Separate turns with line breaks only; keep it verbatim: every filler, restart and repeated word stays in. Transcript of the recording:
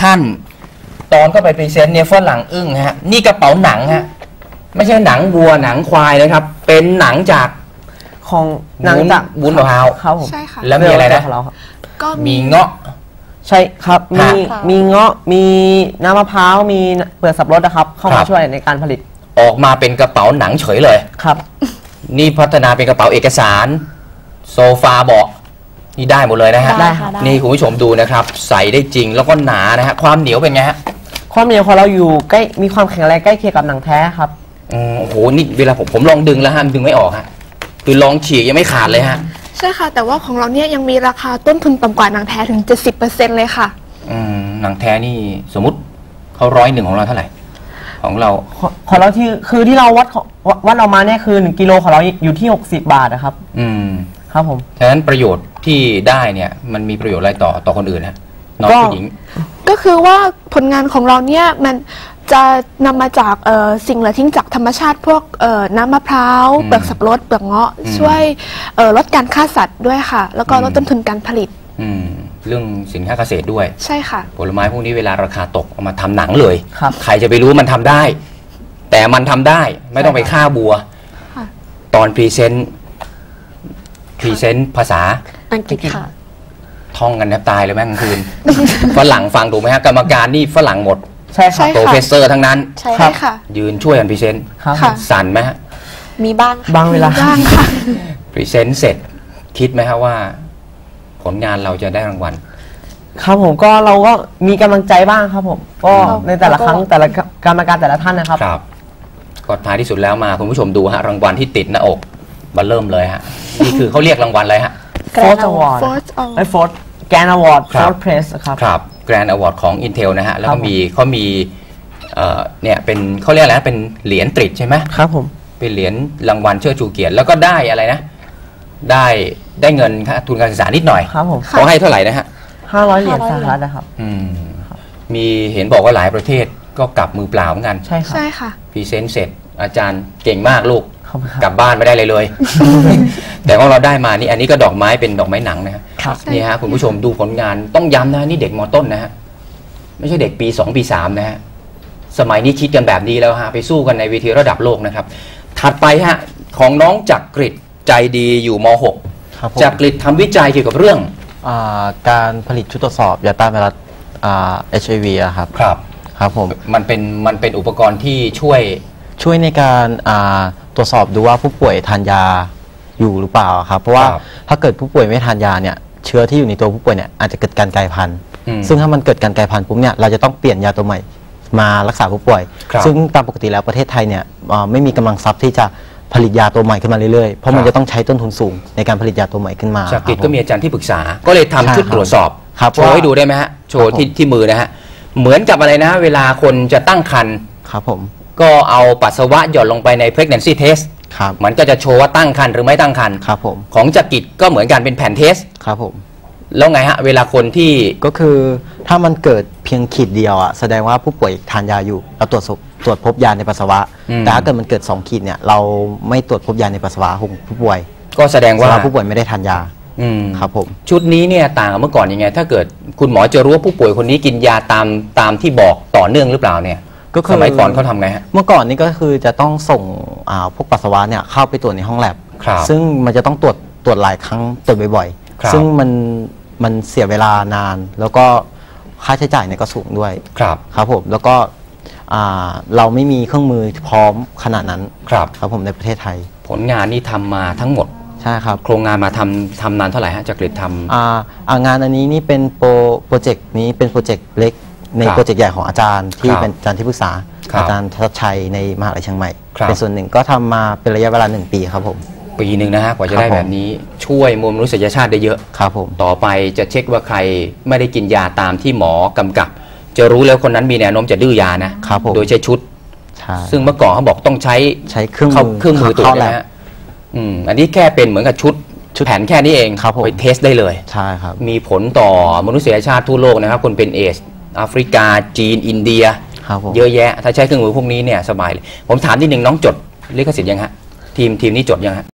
ท่านตอนก็ไปพรีเซนต์เนี่ยฝรั่งอึ้งฮะนี่กระเป๋าหนังฮะไม่ใช่หนังวัวหนังควายเลยครับเป็นหนังจาก
ของหนังจาก
วุ้นมะพร้าว
ครับผม
ใช่ค่ะ
แล้วมีอะไรนะ
ก็
มีเงาะ
ใช่ครับมีมีเงาะมีน้ำมะพร้าวมีเปลือกสับปะรดนะครับเข้ามาช่วยในการผลิต
ออกมาเป็นกระเป๋าหนังเฉยเลย
ครับ
นี่พัฒนาเป็นกระเป๋าเอกสารโซฟาเบาะนี่ได้หมดเลยนะฮะ
ได้ค่ะ
นี่คุณผู้ชมดูนะครับใส่ได้จริงแล้วก็หนานะฮะความเหนียวเป็นไงฮะ
ความเหนียวของเราอยู่ใกล้มีความแข็งแรงใกล้เคียงกับหนังแท้ครับ
โอ้โหนี่เวลาผมผมลองดึงแล้วฮะดึงไม่ออกฮะคือลองฉีกยังไม่ขาดเลยฮะ
ใช่ค่ะแต่ว่าของเราเนี่ยยังมีราคาต้นทุนต่ำกว่าหนังแท้ถึง เจ็ดสิบเปอร์เซ็นต์ เลยค่ะ
อืมหนังแท้นี่สมมุติเขาร้อยหนึ่งของเราเท่าไหร่ของเรา
ของเราที่คือที่เราวัดวัดออกมาเนี่ยคือหนึ่งกิโลของเราอยู่ที่หกสิบบาทนะครับ
อืม
ครับผม
ฉะนั้นประโยชน์ที่ได้เนี่ยมันมีประโยชน์อะไรต่อต่อคนอื่นนะน้องผู้หญิง
ก็คือว่าผลงานของเราเนี่ยมันจะนำมาจากสิ่งเหลือทิ้งจากธรรมชาติพวกน้ำมะพร้าวเปลือกสับปะรดเปลือกเงาะช่วยลดการฆ่าสัตว์ด้วยค่ะแล้วก็ลดต้นทุนการผลิต
เรื่องสินค้าเกษตรด้วย
ใช่ค่ะ
ผลไม้พวกนี้เวลาราคาตกเอามาทำหนังเลย
ครับ
ใครจะไปรู้มันทำได้แต่มันทำได้ไม่ต้องไปฆ่าบัวตอนพรีเซนต์พรีเซนต์ภาษา
อังกฤษค่ะ
ท่องกันแทบตายเลยแม่งคืนฝรั่งฟังถูกไหมฮะกรรมการนี่ฝรั่งหมด
ใช่ค่ะ
โปรเฟสเซอร์ทั้งนั้น
ใช่ค่ะ
ยืนช่วยกันพรีเซนต์สั่นไหมฮะ
มีบ้าง
บางเวลา
บ้างค่ะ
พรีเซนต์เสร็จคิดไหมฮะว่าผลงานเราจะได้รางวัล
ครับผมก็เราก็มีกำลังใจบ้างครับผมก็ในแต่ละครั้งแต่ละกรรมการแต่ละท่านนะครับ
ครับก็ท้ายที่สุดแล้วมาคุณผู้ชมดูฮะรางวัลที่ติดหน้าอกมาเริ่มเลยฮะนี่คือเขาเรียกรางวัลอะไรฮะ
Fourth Award ไอ้ Fourth Grand Award Fourth Place ครับ
ครับ Grand Award ของ Intel นะฮะแล้วก็มีเขามีเนี่ยเป็นเขาเรียกอะไรเป็นเหรียญตริดใช่ไหม
ครับผม
เป็นเหรียญรางวัลเชิดชูเกียรติแล้วก็ได้อะไรนะได้ได้เงินทุนการศึกษานิดหน่อย
ครับผม
เขาให้เท่าไหร่นะฮะ
ห้าร้อยเหรียญสหรัฐนะครับ
อืมมีเห็นบอกว่าหลายประเทศก็กลับมือเปล่าเหมือนกัน
ใช่ค่ะ
ใช่ค่ะ
พรีเซนต์เสร็จอาจารย์เก่งมากลูกกลับบ้านไม่ได้เลยเลยแต่ของเราได้มานี่อันนี้ก็ดอกไม้เป็นดอกไม้หนังนะฮะนี่ฮะคุณผู้ชมดูผลงานต้องย้ำนะนี่เด็กม.ต้นนะฮะไม่ใช่เด็กปีสองปีสามนะฮะสมัยนี้คิดกันแบบนี้แล้วฮะไปสู้กันในเวทีระดับโลกนะครับถัดไปฮะของน้องจักริดใจดีอยู่ม.หกจักริดทำวิจัยเกี่ยวกับเรื่อง
การผลิตชุดตรวจสอบยาต้านไวรัสเอชไอวีครับ
ครับ
ครับผม
มันเป็นมันเป็นอุปกรณ์ที่ช่วย
ช่วยในการตรวจสอบดูว่าผู้ป่วยทานยาอยู่หรือเปล่าครับเพราะว่าถ้าเกิดผู้ป่วยไม่ทานยาเนี่ยเชื้อที่อยู่ในตัวผู้ป่วยเนี่ยอาจจะเกิดการกลายพันธุ์ซึ่งถ้ามันเกิดการกลายพันธุ์ปุ๊บเนี่ยเราจะต้องเปลี่ยนยาตัวใหม่มารักษาผู้ป่วยซึ่งตามปกติแล้วประเทศไทยเนี่ยไม่มีกำลังทรัพย์ที่จะผลิตยาตัวใหม่ขึ้นมาเรื่อยๆเพราะมันจะต้องใช้ต้นทุนสูงในการผลิตยาตัวใหม่ขึ้นมา
จากกิจก็มีอาจารย์ที่ปรึกษาก็เลยทำชุดตรวจสอบโชว์ให้ดูได้ไหมฮะโชว์ที่ที่มือนะฮะเหมือนกับอะไรนะเวลาคนจะตั้งครรภ์
ครับผม
ก็เอาปัสสาวะหย่อนลงไปใน pregnancy test
ครับ
มันก็จะโชว์ว่าตั้งครรภ์หรือไม่ตั้งครรภ์
ครับผม
ของจักริดก็เหมือนกันเป็นแผ่นเทส
ครับผม
แล้วไงฮะเวลาคนที่
ก็คือถ้ามันเกิดเพียงขีดเดียวอ่ะแสดงว่าผู้ป่วยทานยาอยู่เราตรวจตรวจพบยาในปัสสาวะแต่ถ้าเกิดมันเกิดสองขีดเนี่ยเราไม่ตรวจพบยาในปัสสาวะของผู้ป่วย
ก็แสดงว่า
ผู้ป่วยไม่ได้ทานยาครับผม
ชุดนี้เนี่ยต่างกับเมื่อก่อนยังไงถ้าเกิดคุณหมอจะรู้ว่าผู้ป่วยคนนี้กินยาตามตามที่บอกต่อเนื่องหรือเปล่าเนี่ย
ก็
สมัยก่อนเขาทำไงฮะ
เมื่อก่อนนี้ก็คือจะต้องส่งพวกปัสสาวะเนี่ยเข้าไปตรวจในห้องแลบซึ่งมันจะต้องตรวจตรวจหลายครั้งตรวจบ่อยๆซึ่งมันมันเสียเวลานานแล้วก็ค่าใช้จ่ายเนี่ยก็สูงด้วย
ครับ
ครับผมแล้วก็เราไม่มีเครื่องมือพร้อมขนาดนั้น
ครับ
ครับผมในประเทศไทย
ผลงานนี้ทำมาทั้งหมด
ใช่ครับ
โครงงานมาทำทำนานเท่าไหร่ฮะจักริดทำ
อ่างานอันนี้นี่เป็นโปรโปรเจกต์นี้เป็นโปรเจกต์เล็กในโปรเจกต์ใหญ่ของอาจารย์ที่เป็นอาจารย์ที่ปรึกษาอาจารย์ทัศชัยในมหาวิทยาลัยเชียงใหม่เป็นส่วนหนึ่งก็ทำมาเป็นระยะเวลาหนึ่งปีครับผม
ปีหนึ่งนะฮะกว่าจะได้แบบนี้ช่วยมวลมนุษยชาติได้เยอะ
ครับผม
ต่อไปจะเช็คว่าใครไม่ได้กินยาตามที่หมอกำกับจะรู้แล้วคนนั้นมีแนวโน้มจะดื้อยานะครับโดยใช้ชุดซึ่งเมื่อก่อนเขาบอกต้องใช้
ใช้เครื่อง
มือเครื่องมือตัวนี้นะอืมอันนี้แค่เป็นเหมือนกับชุดแผนแค่นี้เองไปเทสได้เลย
ใช่ครับ
มีผลต่อมนุษยชาติทั่วโลกนะครับคนเป็นเอชแอฟริกาจีนอินเดียเยอะแยะถ้าใช้เครื่องมือพวกนี้เนี่ยสบายเลยผมถามนิดนึงน้องจดลิขสิทธิ์ยังฮะทีมทีมนี้จดยังฮะ